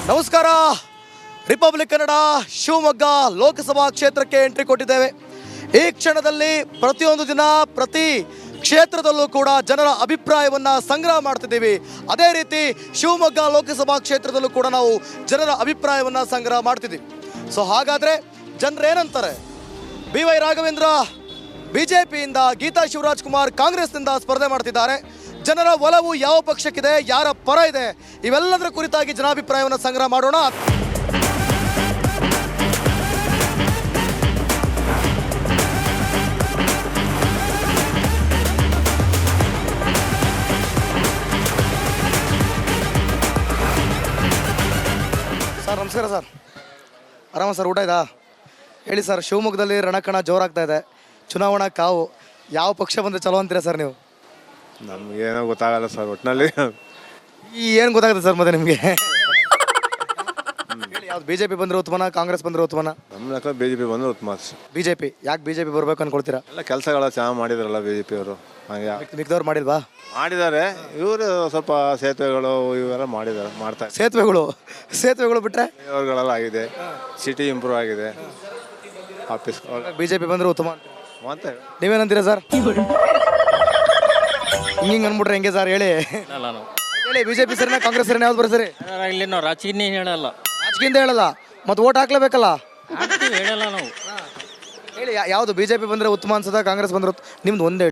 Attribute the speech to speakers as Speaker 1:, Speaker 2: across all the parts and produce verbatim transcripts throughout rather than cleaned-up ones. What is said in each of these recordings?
Speaker 1: ನಮಸ್ಕಾರ. ರಿಪಬ್ಲಿಕ್ ಕನ್ನಡ ಶಿವಮೊಗ್ಗ ಲೋಕಸಭಾ ಕ್ಷೇತ್ರಕ್ಕೆ ಎಂಟ್ರಿ ಕೊಟ್ಟಿದ್ದೇವೆ. ಈ ಕ್ಷಣದಲ್ಲಿ ಪ್ರತಿಯೊಂದು ದಿನ ಪ್ರತಿ ಕ್ಷೇತ್ರದಲ್ಲೂ ಕೂಡ ಜನರ ಅಭಿಪ್ರಾಯವನ್ನು ಸಂಗ್ರಹ ಮಾಡ್ತಿದ್ದೀವಿ. ಅದೇ ರೀತಿ ಶಿವಮೊಗ್ಗ ಲೋಕಸಭಾ ಕ್ಷೇತ್ರದಲ್ಲೂ ಕೂಡ ನಾವು ಜನರ ಅಭಿಪ್ರಾಯವನ್ನು ಸಂಗ್ರಹ ಮಾಡ್ತಿದ್ದೀವಿ. ಸೊ ಹಾಗಾದರೆ ಜನರೇನಂತಾರೆ? B Y Raghavendra B J ಪಿಯಿಂದ, ಗೀತಾ ಶಿವರಾಜ್ ಕುಮಾರ್ ಕಾಂಗ್ರೆಸ್ನಿಂದ ಸ್ಪರ್ಧೆ ಮಾಡ್ತಿದ್ದಾರೆ. ಜನರ ಒಲವು ಯಾವ ಪಕ್ಷಕ್ಕಿದೆ, ಯಾರ ಪರ ಇದೆ, ಇವೆಲ್ಲದರ ಕುರಿತಾಗಿ ಜನಾಭಿಪ್ರಾಯವನ್ನು ಸಂಗ್ರಹ ಮಾಡೋಣ. ಸರ್ ನಮಸ್ಕಾರ. ಸರ್ ಆರಾಮ ಸರ್? ಊಟ ಇದಾ? ಹೇಳಿ ಸರ್, ಶಿವಮೊಗ್ಗದಲ್ಲಿ ರಣಕಣ ಜೋರಾಗ್ತಾ ಇದೆ, ಚುನಾವಣಾ ಕಾವು. ಯಾವ ಪಕ್ಷ ಬಂದರೆ ಚಲೋ ಅಂತೀರಾ ಸರ್ ನೀವು?
Speaker 2: ನಮಗೇನೋ ಗೊತ್ತಾಗಲ್ಲ ಸರ್, ಒಟ್ಟಿನಲ್ಲಿ
Speaker 1: ಈ ಏನು ಗೊತ್ತಾಗುತ್ತೆ ಸರ್ ಮತ್ತೆ ನಿಮಗೆ? ಹೇಳಿ, ಯಾವ್ದು ಬಿ ಜೆ ಪಿ ಬಂದರೆ ಉತ್ತಮನ, ಕಾಂಗ್ರೆಸ್ ಬಂದರೆ ಉತ್ತಮನ?
Speaker 2: ನಮ್ಮ ಲೆಕ್ಕ ಬಿ ಜೆ ಪಿ ಬಂದರೆ ಉತ್ತಮ.
Speaker 1: ಬಿ ಜೆ ಪಿ ಯಾಕೆ ಬಿ ಜೆ ಪಿ ಬರಬೇಕು ಅನ್ಕೊಳ್ತೀರಾ?
Speaker 2: ಎಲ್ಲ ಕೆಲಸಗಳ ಚೆನ್ನಾಗಿ ಮಾಡಿದಾರಲ್ಲ ಬಿ ಜೆ ಪಿ ಅವರು. ಹಾಗೆ
Speaker 1: ಮಿಕ್ದವ್ರು ಮಾಡಿಲ್ವಾ?
Speaker 2: ಮಾಡಿದ್ದಾರೆ. ಇವರು ಸ್ವಲ್ಪ ಸೇತುವೆಗಳು ಇವೆಲ್ಲ ಮಾಡಿದ್ದಾರೆ, ಮಾಡ್ತಾರೆ.
Speaker 1: ಸೇತುವೆಗಳು ಸೇತುವೆಗಳು ಬಿಟ್ಟರೆ
Speaker 2: ಅವ್ರುಗಳೆಲ್ಲ ಆಗಿದೆ, ಸಿಟಿ ಇಂಪ್ರೂವ್ ಆಗಿದೆ. ಆಫೀಸ್
Speaker 1: ಬಿ ಜೆ ಪಿ ಬಂದರೆ ಉತ್ತಮ ಅಂತ
Speaker 2: ಮತ್ತೆ
Speaker 1: ನೀವೇನಂತೀರಾ ಸರ್? ಹಿಂಗೆ ಅಂದ್ಬಿಟ್ರೆ ಹೆಂಗೆ ಸರ್? ಹೇಳಿ ಹೇಳಿ, ಬಿ ಜೆ ಪಿ ಸರಿನಾ ಕಾಂಗ್ರೆಸ್ ಸರಿನಾ, ಯಾವ್ದು ಬರ್ಸರಿ?
Speaker 3: ಇಲ್ಲಿ ನಾವು ರಾಜಕೀಯ ಹೇಳಲ್ಲ,
Speaker 1: ರಾಜಕೀಯದಿಂದ ಹೇಳಲ್ಲ, ಮತ್ತೆ ಓಟ್ ಹಾಕ್ಲೇಬೇಕಲ್ಲ.
Speaker 3: ಹೇಳಲ್ಲ ನಾವು.
Speaker 1: ಹೇಳಿ, ಯಾವುದು ಬಿ ಜೆ ಪಿ ಬಂದರೆ ಉತ್ತಮ ಅನ್ಸದ, ಕಾಂಗ್ರೆಸ್ ಬಂದ್ರೆ ನಿಮ್ದು ಒಂದೇ?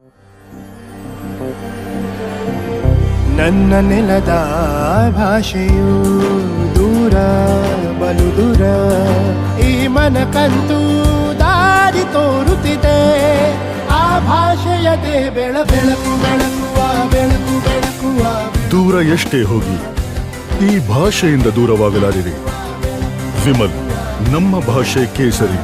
Speaker 4: ನನ್ನ ನೆಲದ ಭಾಷೆಯು ದೂರ ಬಲು ದೂರ, ಈ ಮನಕಂತೂ ದಾರಿ ತೋರುತ್ತಿದೆ. ಆ ಭಾಷೆಯದೇ ಬೆಳ ಬೆಳಕು ಬೆಳಕುವ ಬೆಳಕು ಬೆಳಕುವ.
Speaker 5: ದೂರ ಎಷ್ಟೇ ಹೋಗಿ ಈ ಭಾಷೆಯಿಂದ ದೂರವಾಗಲಾರಿರಿ. ವಿಮಲ್, ನಮ್ಮ ಭಾಷೆ ಕೇಸರಿ.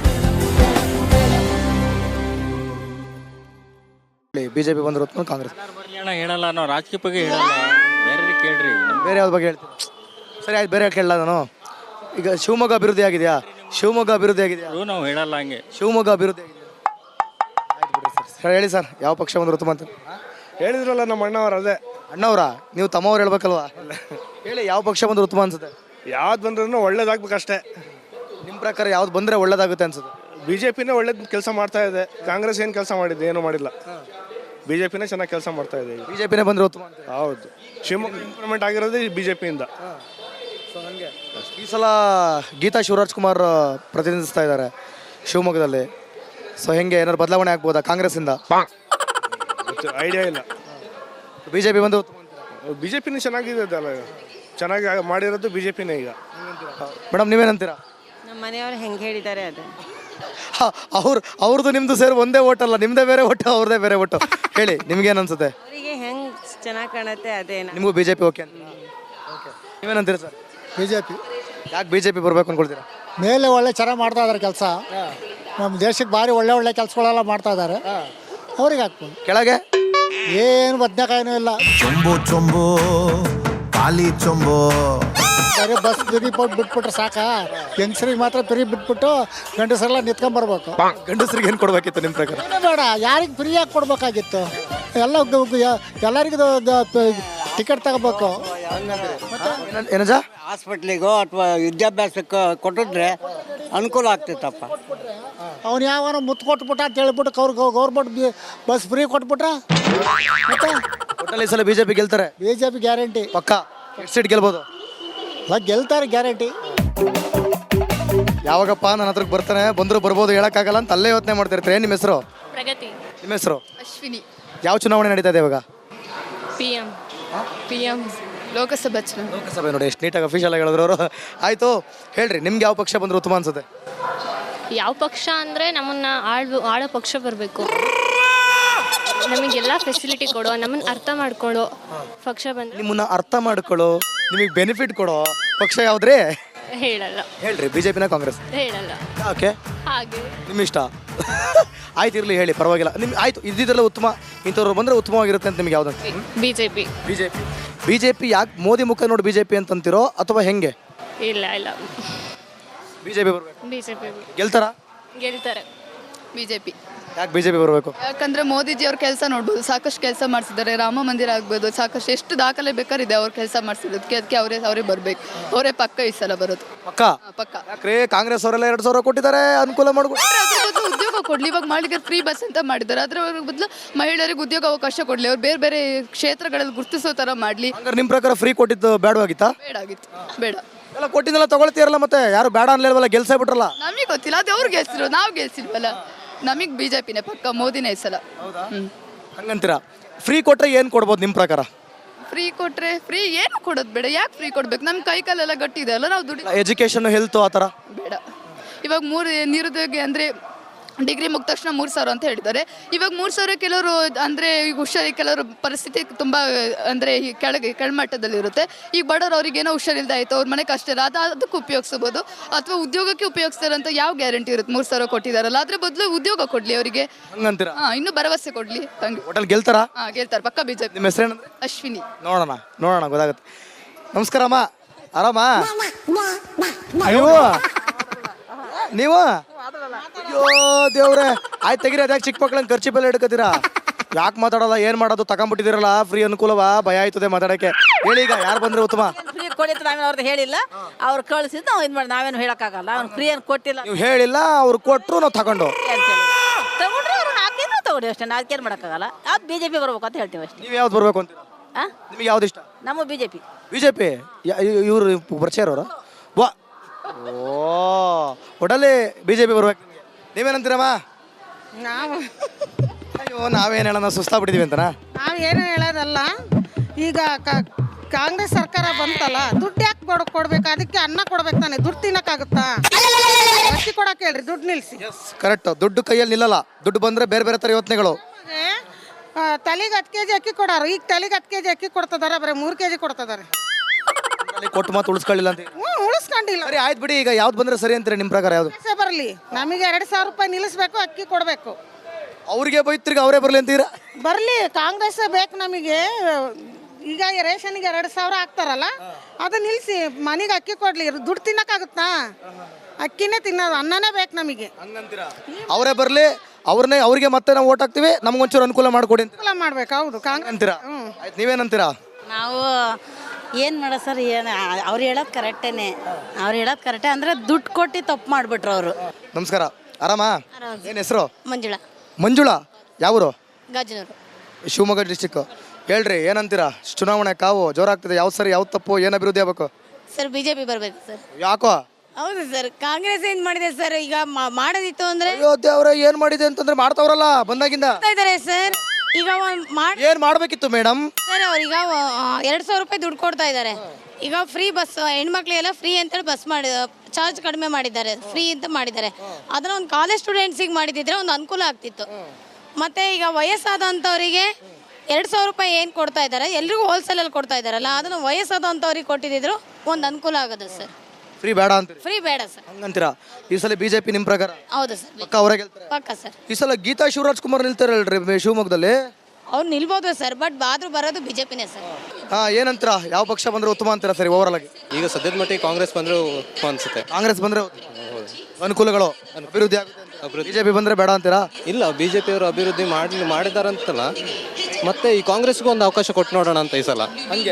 Speaker 1: ಬಿಜೆಪಿ ಬಂದ್ರೆ ಉತ್ತಮ, ಕಾಂಗ್ರೆಸ್
Speaker 3: ಹೇಳಲ್ಲ, ನಾವು ರಾಜಕೀಯ ಬಗ್ಗೆ ಹೇಳಲ್ಲ. ಬೇರೆ ಕೇಳ್ರಿ,
Speaker 1: ಬೇರೆ ಯಾವ್ದು ಬಗ್ಗೆ ಹೇಳ್ತೀನಿ? ಸರಿ ಆಯ್ತು, ಬೇರೆ ಕೇಳಲ್ಲ ನಾನು. ಈಗ ಶಿವಮೊಗ್ಗ ಅಭಿವೃದ್ಧಿ ಆಗಿದೆಯಾ? ಶಿವಮೊಗ್ಗ ಅಭಿವೃದ್ಧಿ ಆಗಿದೆಯಾ?
Speaker 3: ನಾವು ಹೇಳಲ್ಲ ಹಂಗೆ.
Speaker 1: ಶಿವಮೊಗ್ಗ ಅಭಿವೃದ್ಧಿ ಆಗಿದೆಯಾ? ಆಯ್ತು ಬಿಡಿ ಸರ್. ಸರ್ ಹೇಳಿ ಸರ್, ಯಾವ ಪಕ್ಷ ಬಂದ್ರೆ ಉತ್ತಮ ಅಂತ?
Speaker 2: ಹೇಳಿದ್ರಲ್ಲ ನಮ್ಮ ಅಣ್ಣವ್ರು, ಅದೇ
Speaker 1: ಅಣ್ಣವ್ರ, ನೀವು ತಮ್ಮವ್ರು ಹೇಳ್ಬೇಕಲ್ವಾ? ಹೇಳಿ, ಯಾವ ಪಕ್ಷ ಬಂದ್ರೆ ಉತ್ತಮ ಅನ್ಸುತ್ತೆ?
Speaker 2: ಯಾವ್ದು ಬಂದ್ರೂ ಒಳ್ಳೇದಾಗ್ಬೇಕಷ್ಟೇ.
Speaker 1: ನಿಮ್ಮ ಪ್ರಕಾರ ಯಾವ್ದು ಬಂದರೆ ಒಳ್ಳೇದಾಗುತ್ತೆ ಅನ್ಸುತ್ತೆ?
Speaker 2: ಬಿ ಜೆ ಪಿನೇ ಒಳ್ಳೇದು ಕೆಲಸ ಮಾಡ್ತಾ ಇದೆ. ಕಾಂಗ್ರೆಸ್ ಏನು ಕೆಲಸ ಮಾಡಿದೆ? ಏನೂ ಮಾಡಿಲ್ಲ. ಬಿ ಜೆ ಪಿನೇ ಚೆನ್ನಾಗಿ ಕೆಲಸ ಮಾಡ್ತಾ ಇದೆ.
Speaker 1: ಬಿ ಜೆ ಪಿನೇ ಬಂದರೆ ಉತ್ತಮ ಅಂತ?
Speaker 2: ಹೌದು, ಶಿವಮೊಗ್ಗ ಇಂಪ್ರೂವ್ಮೆಂಟ್ ಆಗಿರೋದು ಬಿ ಜೆ ಪಿಯಿಂದ.
Speaker 1: ಈ ಸಲ ಗೀತಾ ಶಿವರಾಜ್ ಕುಮಾರ್ ಪ್ರತಿನಿಧಿಸ್ತಾ ಇದ್ದಾರೆ ಶಿವಮೊಗ್ಗದಲ್ಲಿ. ಸೊ ಹೆಂಗೆ, ಏನಾದ್ರು ಬದಲಾವಣೆ ಆಗ್ಬೋದಾ ಕಾಂಗ್ರೆಸ್ಸಿಂದ?
Speaker 2: ಐಡಿಯಾ ಇಲ್ಲ.
Speaker 1: ಬಿ ಜೆ ಪಿ ಬಂದು ಉತ್ತಮ ಅಂತೀರಾ?
Speaker 2: ಬಿ ಜೆ ಪಿನೇ ಚೆನ್ನಾಗಿದೆ ಅಲ್ಲ, ಚೆನ್ನಾಗಿ ಮಾಡಿರೋದು ಬಿ ಜೆ ಪಿನೇ ಈಗ.
Speaker 1: ಮೇಡಮ್ ನೀವೇನಂತೀರಾ?
Speaker 6: ನಮ್ಮ ಮನೆಯವ್ರು ಹೆಂಗೆ ಹೇಳಿದ್ದಾರೆ ಅದು.
Speaker 1: ಅವ್ರು ಅವ್ರದ್ದು ನಿಮ್ಮದು ಸೇರಿ ಒಂದೇ ಓಟ್ ಅಲ್ಲ, ನಿಮ್ಮದೇ ಬೇರೆ ಒಟ್ಟು, ಅವ್ರದ್ದೇ ಬೇರೆ ಒಟ್ಟು. ಹೇಳಿ, ನಿಮ್ಗೇನು ಅನ್ಸುತ್ತೆ?
Speaker 6: ಅವರಿಗೆ ಹೆಂಗೆ ಚೆನ್ನಾಗಿ ಕಾಣುತ್ತೆ ಅದೇನು.
Speaker 1: ನಿಮಗೂ ಬಿ ಜೆ ಪಿ ಓಕೆ ಅಂತ? ಓಕೆ, ನೀವೇನಂತೀರಾ ಸರ್?
Speaker 4: B J P.
Speaker 1: ಯಾಕೆ ಬಿ ಜೆ ಪಿ ಬರಬೇಕು ಅನ್ಕೊಳ್ತೀರಾ?
Speaker 4: ಮೇಲೆ ಒಳ್ಳೆ ಚೆನ್ನಾಗಿ ಮಾಡ್ತಾ ಇದ್ದಾರೆ ಕೆಲಸ. ನಮ್ಮ ದೇಶಕ್ಕೆ ಭಾರಿ ಒಳ್ಳೆ ಒಳ್ಳೆ ಕೆಲಸಗಳೆಲ್ಲ ಮಾಡ್ತಾ ಇದ್ದಾರೆ, ಅವ್ರಿಗೆ ಹಾಕ್ಬೋದು.
Speaker 1: ಕೆಳಗೆ
Speaker 4: ಏನು ಬದನೆಕಾಯಿನೂ ಇಲ್ಲ.
Speaker 7: ಚೊಂಬು ಚೊಂಬು ಖಾಲಿ ಚೊಂಬು.
Speaker 4: ಬರೀ ಬಸ್ ಫ್ರೀ ಕೊಟ್ಟು ಬಿಟ್ಬಿಟ್ರೆ ಸಾಕ. ಹೆಂಗಸ್ರಿಗೆ ಮಾತ್ರ ಫ್ರೀ ಬಿಟ್ಬಿಟ್ಟು ಗಂಡಸರೆಲ್ಲ ನಿಂತ್ಕೊಂಡ್ಬರ್ಬೇಕು.
Speaker 1: ಗಂಡಸರಿಗೆ ಏನು ಕೊಡಬೇಕಿತ್ತು ನಿಮ್ಮ ಪ್ರಕಾರ?
Speaker 4: ಏನೇ ಬೇಡ, ಯಾರಿಗೆ ಫ್ರೀಯಾಗಿ ಕೊಡ್ಬೇಕಾಗಿತ್ತು? ಎಲ್ಲ ಎಲ್ಲರಿಗೂ ಟಿಕೆಟ್ ತಗೋಬೇಕು.
Speaker 1: ಏನಜ?
Speaker 8: ಹಾಸ್ಪಿಟ್ಲಿಗೋ ಅಥವಾ ವಿದ್ಯಾಭ್ಯಾಸಕ್ಕೆ ಕೊಟ್ಟಿದ್ರೆ ಅನುಕೂಲ ಆಗ್ತಿತ್ತಪ್ಪ.
Speaker 4: ಅವ್ನು ಯಾವನ ಮುತ್ತು ಕೊಟ್ಬಿಟ್ಟ ಅಂತ ಹೇಳ್ಬಿಟ್ಟು ಅವ್ರಿಗೆ ಗೌರ್ಮೆಂಟ್ ಬಸ್ ಫ್ರೀ ಕೊಟ್ಬಿಟ್ರೆ ಮತ್ತೆ
Speaker 1: ಒಟ್ಟಲ್ಲಿ ಈ ಸಲ ಬಿ ಜೆ ಪಿ ಗೆಲ್ತಾರೆ?
Speaker 4: ಬಿ ಜೆ ಪಿ ಗ್ಯಾರಂಟಿ
Speaker 1: ಪಕ್ಕ. ಎಷ್ಟು ಸೀಟ್ ಗೆಲ್ಬೋದು?
Speaker 4: ಅಲ್ಲ, ಗೆಲ್ತಾರೆ ಗ್ಯಾರಂಟಿ.
Speaker 1: ಯಾವಾಗಪ್ಪ ನನ್ನ ಹತ್ರಕ್ಕೆ ಬರ್ತಾನೆ, ಬಂದರೂ ಬರ್ಬೋದು ಹೇಳೋಕ್ಕಾಗಲ್ಲ ಅಂತ ಅಲ್ಲೇ ಯೋಚನೆ ಮಾಡ್ತಿರ್ತಾರೆ. ನಿಮ್ಮ ಹೆಸರು?
Speaker 9: ಪ್ರಗತಿ.
Speaker 1: ನಿಮ್ಮ ಹೆಸರು?
Speaker 9: ಅಶ್ವಿನಿ.
Speaker 1: ಯಾವ ಚುನಾವಣೆ ನಡೀತಾ ಇದೆ ಇವಾಗ?
Speaker 9: P M P M Lok Sabha ಚುನಾವಣೆ.
Speaker 1: ಲೋಕಸಭೆ. ನೋಡಿ ಎಷ್ಟು ನೀಟಾಗಿ ಅಫಿಷಿಯಲ್ ಆಗಿ ಹೇಳಿದ್ರು ಅವರು. ಆಯಿತು, ಹೇಳ್ರಿ, ನಿಮ್ಗೆ ಯಾವ ಪಕ್ಷ ಬಂದ್ರೆ ಉತ್ತಮ ಅನ್ಸುತ್ತೆ?
Speaker 9: ಯಾವ ಪಕ್ಷ ಅಂದರೆ ನಮ್ಮನ್ನ ಆಳ್ ಆಳೋ ಪಕ್ಷ ಬರಬೇಕು. ನಮಗೆಲ್ಲ ಫೆಸಿಲಿಟಿ ಕೊಡೋ, ನಮ್ಮನ್ನು ಅರ್ಥ ಮಾಡ್ಕೊಳ್ಳೋ ಪಕ್ಷ ಬಂದು.
Speaker 1: ನಿಮ್ಮನ್ನ ಅರ್ಥ ಮಾಡ್ಕೊಳ್ಳೋ, ನಿಮಗೆ ಬೆನಿಫಿಟ್ ಕೊಡೋ ಪಕ್ಷ ಯಾವುದ್ರಿ?
Speaker 9: ಹೇಳಲ್ಲ.
Speaker 1: ಹೇಳ್ರಿ, ಬಿ ಜೆ ಪಿನ ಕಾಂಗ್ರೆಸ್?
Speaker 9: ಹೇಳಲ್ಲ.
Speaker 1: ಓಕೆ,
Speaker 9: ಹಾಗೆ
Speaker 1: ನಿಮ್ಮ ಇಷ್ಟ. ಆಯ್ತು, ಇರಲಿ, ಹೇಳಿ, ಪರವಾಗಿಲ್ಲ. ನಿಮ್ಗೆ ಆಯಿತು, ಇದ್ದಿದ್ರಲ್ಲ ಉತ್ತಮ, ಇಂಥವ್ರು ಬಂದರೆ ಉತ್ತಮವಾಗಿರುತ್ತೆ ಅಂತ ನಿಮ್ಗೆ ಯಾವ್ದು?
Speaker 9: B J P.
Speaker 1: B J P. B J P ಯಾಕೆ ಮೋದಿ ಮುಖ ನೋಡಿ ಬಿ ಜೆ ಪಿ ಅಂತಂತೀರೋ ಅಥವಾ ಹೆಂಗೆ?
Speaker 9: ಇಲ್ಲ ಇಲ್ಲ,
Speaker 1: ಬಿ ಜೆ ಪಿ ಬರಬೇಕು.
Speaker 9: ಬಿ ಜೆ ಪಿ
Speaker 1: ಗೆಲ್ತಾರಾ?
Speaker 9: ಗೆಲ್ತಾರೆ. B J P.
Speaker 1: ಯಾಕೆ ಬಿಜೆಪಿ ಬರಬೇಕು?
Speaker 10: ಯಾಕಂದ್ರೆ ಮೋದಿಜಿ ಅವ್ರ ಕೆಲಸ ನೋಡ್ಬೋದು, ಸಾಕಷ್ಟು ಕೆಲಸ ಮಾಡಿಸಿದ್ದಾರೆ. ರಾಮ ಮಂದಿರ ಆಗ್ಬೋದು, ಸಾಕಷ್ಟು ಎಷ್ಟು ದಾಖಲೆ ಬೇಕಾರಿದೆ ಅವ್ರ ಕೆಲಸ ಮಾಡಿಸಿರೋದಕ್ಕೆ. ಅದಕ್ಕೆ ಅವರೇ ಅವರೇ ಬರಬೇಕು. ಅವರೇ ಪಕ್ಕ ಈ ಸಲ ಬರೋದು
Speaker 1: ಪಕ್ಕ.
Speaker 10: ಹಾ, ಪಕ್ಕ.
Speaker 1: ಯಾಕ್ರಿ ಕಾಂಗ್ರೆಸ್ ಅವರೆಲ್ಲ ಎರಡು ಸಾವಿರ ಕೊಟ್ಟಿದ್ದಾರೆ, ಅನುಕೂಲ ಮಾಡ್ಕೊಂಡು.
Speaker 10: ಅದ್ರ ಬದಲು ಉದ್ಯೋಗ ಕೊಡ್ಲಿ. ಇವಾಗ ಮಾಡಿದ್ರೆ ಫ್ರೀ ಬಸ್ ಅಂತ ಮಾಡಿದ್ದಾರೆ. ಅದ್ರ ಬದಲು ಮಹಿಳೆಯರಿಗೆ ಉದ್ಯೋಗ ಅವಕಾಶ ಕೊಡ್ಲಿ. ಅವ್ರು ಬೇರೆ ಬೇರೆ ಕ್ಷೇತ್ರಗಳಲ್ಲಿ ಗುರುತಿಸೋ ತರ ಮಾಡ್ಲಿ.
Speaker 1: ಹಂಗಾರೆ ನಿಮ್ಮ ಪ್ರಕಾರ ಫ್ರೀ ಕೊಟ್ಟಿದ್ದು ಬೇಡವಾಗಿತ್ತಾ?
Speaker 10: ಬೇಡ ಆಗಿತ್ತು, ಬೇಡ.
Speaker 1: ಎಲ್ಲ ಕೊಟ್ಟಿದ್ದೆಲ್ಲ ತಗೊಳ್ತೀರಲ್ಲ, ಮತ್ತೆ ಯಾರು ಬೇಡ ಅನ್ಲಿಲ್ವಲ್ಲ, ಗೆಲ್ಸೇ ಬಿಟ್ರಲ್ಲ.
Speaker 10: ನಮಗೆ ಗೊತ್ತಿಲ್ಲ, ಅದು ಅವ್ರು ಗೆಲ್ಸಿರೋ, ನಾವು ಗೆಲ್ಸಿಲ್ವಲ್ಲ. ನಮಗೆ ಬಿಜೆಪಿನೇ ಪಕ್ಕ, ಮೋದಿನೇ ಈ ಸಲ. ಹ್ಮ್
Speaker 1: ಹಂಗಂತೀರಾ? ಫ್ರೀ ಕೊಟ್ರೆ ಏನು ಕೊಡ್ಬೋದು ನಿಮ್ಮ ಪ್ರಕಾರ?
Speaker 10: ಫ್ರೀ ಕೊಟ್ರೆ ಫ್ರೀ ಏನು ಕೊಡೋದು ಬೇಡ. ಯಾಕೆ ಫ್ರೀ ಕೊಡ್ಬೇಕು? ನಮ್ಮ ಕೈ ಕಾಲೆಲ್ಲ ಗಟ್ಟಿ ಇದೆ ಅಲ್ಲ, ನಾವು ದುಡ್ಡು
Speaker 1: ಎಜುಕೇಶನ್, ಹೆಲ್ತ್ ಆ ಥರ
Speaker 10: ಬೇಡ. ಇವಾಗ ಮೂರು ನಿರುದ್ಯೋಗಿ ಅಂದರೆ ಡಿಗ್ರಿ ಮುಗಿದ ತಕ್ಷಣ ಮೂರು ಸಾವಿರ ಅಂತ ಹೇಳಿದ್ದಾರೆ. ಇವಾಗ ಮೂರು ಸಾವಿರ ಕೆಲವರು ಅಂದರೆ ಈಗ ಹುಷಾರಿ ಕೆಲವರು ಪರಿಸ್ಥಿತಿ ತುಂಬ ಅಂದರೆ ಈ ಕೆಳಗೆ ಕೆಳಮಟ್ಟದಲ್ಲಿರುತ್ತೆ. ಈಗ ಬಡವರು ಅವ್ರಿಗೆ ಏನೋ ಹುಷಾರಿಲ್ದೆ ಆಯಿತು, ಅವ್ರ ಮನೆ ಕಷ್ಟ ಇಲ್ಲ, ಅದು ಅದಕ್ಕೆ ಉಪಯೋಗಿಸ್ಬೋದು. ಅಥವಾ ಉದ್ಯೋಗಕ್ಕೆ ಉಪಯೋಗಿಸ್ತಾರೆ ಅಂತ ಯಾವ ಗ್ಯಾರಂಟಿ ಇರುತ್ತೆ? ಮೂರು ಸಾವಿರ ಕೊಟ್ಟಿದ್ದಾರಲ್ಲ, ಅದ್ರ ಬದಲು ಉದ್ಯೋಗ ಕೊಡಲಿ ಅವರಿಗೆ.
Speaker 1: ಹಂಗಂತೀರಾ?
Speaker 10: ಹಾಂ, ಇನ್ನೂ ಭರವಸೆ ಕೊಡಲಿ. ಹಂಗೆ
Speaker 1: ಹೋಟೆಲ್ ಗೆಲ್ತಾರಾ?
Speaker 10: ಹಾಂ, ಗೆಲ್ತಾರೆ ಪಕ್ಕ ಬಿಜೆಪಿ.
Speaker 1: ನಿಮ್ಮ ಹೆಸರೇನಂದ್ರೆ?
Speaker 10: ಅಶ್ವಿನಿ.
Speaker 1: ನೋಡೋಣ ನೋಡೋಣ ಗೊತ್ತಾಗುತ್ತೆ. ನಮಸ್ಕಾರ ಅಮ್ಮ, ಆರಾಮ? ನೀವು ನೀವು ಅಯ್ಯೋ ದೇವ್ರೆ, ಆಯ್ತು ತೆಗಿರಿ. ಅದ್ಯಾಕೆ ಚಿಕ್ಕ ಮಕ್ಳಂಗೆ ಖರ್ಚಿ ಬೆಲೆ ಹಿಡ್ಕತ್ತೀರಾ? ಯಾಕೆ ಮಾತಾಡೋಲ್ಲ? ಏನು ಮಾಡೋದು? ತಗೊಂಡ್ಬಿಟ್ಟಿದ್ದೀರಲ್ಲ, ಫ್ರೀ ಅನುಕೂಲವಾ? ಭಯ ಆಯ್ತದೆ ಮಾತಾಡೋಕ್ಕೆ. ಹೇಳಿ ಈಗ ಯಾರು ಬಂದ್ರೆ ಉತ್ತಮ?
Speaker 11: ಫ್ರೀ ಕೊಡಿತ್ತು, ನಾವೇನು ಅವ್ರದ್ದು ಹೇಳಿಲ್ಲ. ಅವ್ರು ಕಳಿಸಿದ್ದು ನಾವು ಇದು ಮಾಡಿ ನಾವೇನು ಹೇಳೋಕ್ಕಾಗಲ್ಲ. ಅವ್ನು ಫ್ರೀ ಏನು ಕೊಟ್ಟಿಲ್ಲ.
Speaker 1: ನೀವು ಹೇಳಿಲ್ಲ, ಅವ್ರು ಕೊಟ್ಟರು ನಾವು ತಗೊಂಡು
Speaker 11: ತಗೊಂಡ್ರೆ ಅವ್ರು ಹಾಕಿದ್ರು ತಗೊಳ್ಳಿ ಅಷ್ಟೇ. ನಾವು ಅದಕ್ಕೇನು ಮಾಡೋಕ್ಕಾಗಲ್ಲ. ಅದು ಬಿ ಜೆ ಪಿ ಬರ್ಬೇಕು ಅಂತ ಹೇಳ್ತೀವಿ ಅಷ್ಟೇ.
Speaker 1: ನೀವು ಯಾವ್ದು ಬರ್ಬೇಕು ಅಂತೀರಾ?
Speaker 11: ಹಾಂ,
Speaker 1: ನಿಮಗೆ ಯಾವ್ದು ಇಷ್ಟ?
Speaker 11: ನಮ್ಮ B J P.
Speaker 1: B J P ಇವರು ಬರ್ಚೇರವ್ರ? ವಾ, ಓ, ಒಡಲ್ಲಿ ಬಿ ಜೆ ಪಿ ಬರ್ಬೇಕು. ನೀವೇನಂತೀರಮ್ಮ?
Speaker 6: ನಾವು
Speaker 1: ಅಯ್ಯೋ, ನಾವೇನು ಹೇಳೋಣ, ಸುಸ್ತಾಗ್ಬಿಟ್ಟಿದೀವಿ ಅಂತನಾ?
Speaker 6: ನಾವು ಏನು ಹೇಳೋದಲ್ಲ. ಈಗ ಕಾಂಗ್ರೆಸ್ ಸರ್ಕಾರ ಬಂತಲ್ಲ, ದುಡ್ಡು ಯಾಕೆ ಕೊಡ ಕೊಡ್ಬೇಕು? ಅದಕ್ಕೆ ಅನ್ನ ಕೊಡ್ಬೇಕು ತಾನೆ, ದುಡ್ಡು ತಿನ್ನಕ್ಕಾಗುತ್ತಾ? ಅಕ್ಕಿ ಕೊಡಕ್ಕೆ ಹೇಳ್ರಿ, ದುಡ್ಡು ನಿಲ್ಲಿಸಿ.
Speaker 1: ಕರೆಕ್ಟ್. ದುಡ್ಡು ಕೈಯಲ್ಲಿ ನಿಲ್ಲಲ್ಲ. ದುಡ್ಡು ಬಂದ್ರೆ ಬೇರೆ ಬೇರೆ ಥರ ಯೋಚನೆಗಳು.
Speaker 6: ತಲೆಗೆ ಹತ್ತು ಕೆ ಜಿ ಅಕ್ಕಿ ಕೊಡಾರು, ಈಗ ತಲೆಗೆ ಹತ್ತು ಕೆ ಜಿ ಅಕ್ಕಿ ಕೊಡ್ತಿದಾರೆ, ಬರೀ ಮೂರು ಕೆ ಜಿ ಕೊಡ್ತಿದ್ದಾರೆ.
Speaker 1: ಕೊಟ್ಟು ಮಾತು ಉಳಿಸ್ಕೊಳ್ಳಿಲ್ಲ ಅಂತ.
Speaker 6: ಹ್ಞೂ, ಉಳಿಸ್ಕೊಂಡಿಲ್ಲ.
Speaker 1: ಸರಿ ಆಯ್ತು ಬಿಡಿ. ಈಗ ಯಾವ್ದು ಬಂದ್ರೆ ಸರಿ ಅಂತೀರಿ ನಿಮ್ಮ ಪ್ರಕಾರ? ಯಾವುದು
Speaker 6: ಬರಲಿ, ನಮಗೆ ಎರಡು ಸಾವಿರ ರೂಪಾಯಿ ನಿಲ್ಲಿಸ್ಬೇಕು, ಅಕ್ಕಿ ಕೊಡಬೇಕು.
Speaker 1: ಅವ್ರಿಗೆ ಬೈತ್ರಿಗೆ ಅವರೇ ಬರಲಿ ಅಂತೀರಾ?
Speaker 6: ಬರಲಿ, ಕಾಂಗ್ರೆಸ್ ಬೇಕು ನಮಗೆ. ಈಗ ರೇಷನ್ಗೆ ಎರಡು ಸಾವಿರ ಹಾಕ್ತಾರಲ್ಲ, ಅದು ನಿಲ್ಲಿಸಿ ಮನೆಗೆ ಅಕ್ಕಿ ಕೊಡ್ಲಿ. ದುಡ್ಡು ತಿನ್ನಕ್ಕಾಗುತ್ತಾ? ಅಕ್ಕಿನೇ ತಿನ್ನೋದು, ಅನ್ನನೇ ಬೇಕು ನಮಗೆ.
Speaker 1: ಅವರೇ ಬರಲಿ, ಅವ್ರನ್ನೇ ಅವ್ರಿಗೆ ಮತ್ತೆ ನಾವು ಓಟ್ ಹಾಕ್ತೀವಿ, ನಮ್ಗೊಂಚೂರು ಅನುಕೂಲ ಮಾಡ್ಕೊಡಿ ಅಂತ
Speaker 6: ಅನುಕೂಲ ಮಾಡ್ಬೇಕು. ಹೌದು, ಕಾಂಗ್ರೆಸ್
Speaker 1: ಅಂತೀರಾ? ಆಯ್ತು, ನೀವೇನಂತೀರಾ?
Speaker 11: ನಾವು ಏನು ಮಾಡೋ ಸರ್, ಏನು ಅವ್ರು ಹೇಳೋದು ಕರೆಕ್ಟೇನೆ. ಅವ್ರು ಹೇಳೋದು ಕರೆಕ್ಟೇ ಅಂದರೆ ದುಡ್ಡು ಕೊಟ್ಟು ತಪ್ಪು ಮಾಡಿಬಿಟ್ರು ಅವರು.
Speaker 1: ನಮಸ್ಕಾರ, ಆರಾಮ? ಏನು ಹೆಸರು?
Speaker 9: ಮಂಜುಳಾ.
Speaker 1: ಮಂಜುಳಾ, ಯಾವರು?
Speaker 9: ಗಾಜನೂರು.
Speaker 1: ಶಿವಮೊಗ್ಗ ಡಿಸ್ಟಿಕ್. ಹೇಳ್ರಿ, ಏನಂತೀರಾ? ಚುನಾವಣೆ ಕಾವು ಜೋರಾಗ್ತದೆ. ಯಾವ್ದು ಸರಿ, ಯಾವ್ದು ತಪ್ಪು, ಏನು ಅಭಿವೃದ್ಧಿ ಆಗ್ಬೇಕು?
Speaker 9: ಸರ್ ಬಿಜೆಪಿ ಬರಬೇಕು ಸರ್.
Speaker 1: ಯಾಕೋ?
Speaker 9: ಹೌದು ಸರ್, ಕಾಂಗ್ರೆಸ್ ಏನ್ ಮಾಡಿದೆ ಸರ್? ಈಗ ಮಾ- ಮಾಡೋದಿತ್ತು ಅಂದ್ರೆ
Speaker 1: ಅಯ್ಯೋ ದೇವ್ರೆ, ಏನ್ ಮಾಡಿದೆ ಅಂತಂದ್ರೆ ಮಾಡ್ತಾವ್ರಲ್ಲ ಬಂದಾಗಿಂದ.
Speaker 9: ಮಾಡ್ತಾ ಇದಾರೆ ಸರ್. ಈಗ ಒಂದ್ ಮಾಡ್
Speaker 1: ಏನ್ ಮಾಡ್ಬೇಕಿತ್ತು ಮೇಡಮ್?
Speaker 9: ಸರ್ ಅವ್ರೀಗ ಎರಡ್ ಸಾವಿರ ರೂಪಾಯಿ ದುಡ್ಡು ಕೊಡ್ತಾ ಇದ್ದಾರೆ. ಈಗ ಫ್ರೀ ಬಸ್, ಹೆಣ್ಮಕ್ಳಿಗೆಲ್ಲ ಫ್ರೀ ಅಂತೇಳಿ ಬಸ್ ಮಾಡಿ ಚಾರ್ಜ್ ಕಡಿಮೆ ಮಾಡಿದ್ದಾರೆ, ಫ್ರೀ ಅಂತ ಮಾಡಿದ್ದಾರೆ. ಅದನ್ನ ಒಂದು ಕಾಲೇಜ್ ಸ್ಟೂಡೆಂಟ್ಸಿಗೆ ಮಾಡಿದಿದ್ರೆ ಒಂದು ಅನುಕೂಲ ಆಗ್ತಿತ್ತು. ಮತ್ತೆ ಈಗ ವಯಸ್ಸಾದಂಥವರಿಗೆ ಎರಡು ಸಾವಿರ ರೂಪಾಯಿ ಏನು ಕೊಡ್ತಾ ಇದ್ದಾರೆ, ಎಲ್ರಿಗೂ ಹೋಲ್ಸೇಲಲ್ಲಿ ಕೊಡ್ತಾ ಇದ್ದಾರಲ್ಲ, ಅದನ್ನು ವಯಸ್ಸಾದಂಥವ್ರಿಗೆ ಕೊಟ್ಟಿದ್ರು ಒಂದು ಅನುಕೂಲ ಆಗೋದು ಸರ್.
Speaker 1: ಫ್ರೀ ಬೇಡ ಅಂತೀರಿ?
Speaker 9: ಫ್ರೀ ಬೇಡ ಸರ್.
Speaker 1: ಹಂಗಂತೀರಾ? ಈ ಸಲ ಬಿಜೆಪಿ ನಿಮ್ ಪ್ರಕಾರ?
Speaker 9: ಹೌದು ಸರ್,
Speaker 1: ಪಕ್ಕ ಅವರೇ ಗೆಲ್ತಾರೆ?
Speaker 9: ಪಕ್ಕ ಸರ್.
Speaker 1: ಈ ಸಲ ಗೀತಾ ಶಿವರಾಜ್ ಕುಮಾರ್ ನಿಲ್ತಾರಲ್ರಿ ಶಿವಮೊಗ್ಗದಲ್ಲಿ?
Speaker 9: ಅವ್ರು ನಿಲ್ಬೋದು ಸರ್, ಬಟ್ ಆದ್ರೂ ಬರೋದು ಬಿಜೆಪಿನೇ ಸರ್.
Speaker 1: ಹಾ, ಏನಂತೀರಾ? ಯಾವ ಪಕ್ಷ ಬಂದ್ರೆ ಉತ್ತಮ ಅಂತೀರಾ ಸರಿ ಓವರ್ ಆಗಿ?
Speaker 12: ಈಗ ಸದ್ಯದ ಮಟ್ಟಿಗೆ ಕಾಂಗ್ರೆಸ್ ಬಂದ್ರೆ ಅನ್ಸುತ್ತೆ.
Speaker 1: ಕಾಂಗ್ರೆಸ್ ಬಂದ್ರೆ ಅನುಕೂಲಗಳು, ಅಭಿವೃದ್ಧಿ ಆಗುತ್ತೆ. ಬಿಜೆಪಿ ಬಂದ್ರೆ ಬೇಡ ಅಂತೀರಾ?
Speaker 12: ಇಲ್ಲ, ಬಿಜೆಪಿ ಅವರು ಅಭಿವೃದ್ಧಿ ಮಾಡಿ ಮಾಡಿದಾರಂತಲ್ಲ, ಮತ್ತೆ ಈ ಕಾಂಗ್ರೆಸ್ಗೂ ಒಂದು ಅವಕಾಶ ಕೊಟ್ಟು ನೋಡೋಣ ಅಂತ ಈ ಸಲ.
Speaker 1: ಹಂಗೆ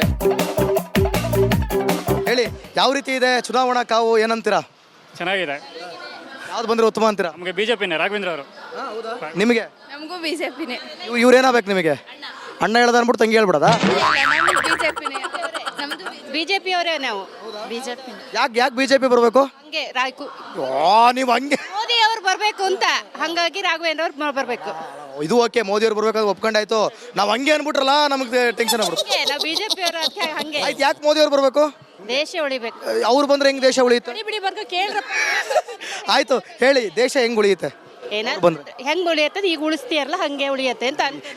Speaker 1: ಹೇಳಿ, ಯಾವ ರೀತಿ ಇದೆ ಚುನಾವಣಾ ಕಾವು, ಏನಂತೀರಾ?
Speaker 3: ಚೆನ್ನಾಗಿದೆ.
Speaker 1: ಯಾವ್ದು ಬಂದ್ರೆ ಉತ್ತಮ ಅಂತೀರಾ?
Speaker 3: ನಮಗೆ ಬಿಜೆಪಿನೇ, ರಾಘವೇಂದ್ರ ಅವರು.
Speaker 1: ನಿಮಗೆ?
Speaker 10: ನಮಗೂ ಬಿಜೆಪಿನೇ.
Speaker 1: ಇವ್ರೇನಾಗಬೇಕು ನಿಮಗೆ? ಅಣ್ಣ ಹೇಳ್ದ ಅನ್ಬಿಟ್ಟು ತಂಗಿ ಹೇಳ್ಬಿಡದ?
Speaker 10: ಬಿಜೆಪಿನೇ.
Speaker 9: ಬಿಜೆಪಿ ಅವರೇ ನಾವು. ಬಿಜೆಪಿ
Speaker 1: ಯಾಕೆ ಯಾಕೆ ಬಿಜೆಪಿ ಬರಬೇಕು?
Speaker 9: ಹಂಗೆ ರಾಯ್ಕು
Speaker 1: ನೀವು ಹಂಗೆ
Speaker 9: ಮೋದಿ ಅವ್ರು ಬರ್ಬೇಕು ಅಂತ, ಹಂಗಾಗಿ ರಾಘವೇಂದ್ರ ಅವ್ರು ಬರ್ಬೇಕು.
Speaker 1: ಇದು ಓಕೆ, ಮೋದಿ ಅವ್ರು ಬರ್ಬೇಕಾದ್ರೆ ಒಪ್ಕೊಂಡಾಯ್ತು. ನಾವು ಹಂಗೆ ಅನ್ಬಿಟ್ರಲ್ಲ, ನಮಗೆ ಟೆನ್ಷನ್ ಆಗ್ಬಿಡುತ್ತೆ.
Speaker 9: ನಾವು ಬಿಜೆಪಿ ಅವರು ಹಂಗೆ.
Speaker 1: ಆಯ್ತು, ಯಾಕೆ ಮೋದಿ ಅವ್ರು ಬರ್ಬೇಕು?
Speaker 9: ದೇಶ ಉಳಿಬೇಕು.
Speaker 1: ಅವ್ರು ಬಂದ್ರೆ ಹೆಂಗ್ ದೇಶ ಉಳಿಯುತ್ತೆ?
Speaker 9: ಬಿಡಿ ಬಿಡಿ ಬರ್ಕೊ ಕೇಳ್ರಪ್ಪ.
Speaker 1: ಆಯ್ತು ಹೇಳಿ, ದೇಶ ಹೆಂಗ್ ಉಳಿಯುತ್ತೆ?
Speaker 9: ಏನ ಹೆಂಗ್ ಉಳಿಯತ್ತದ? ಈಗ ಉಳಿಸ್ತೀಯಲ್ಲ ಹಂಗೆ ಉಳಿಯತ್ತೆ ಅಂತ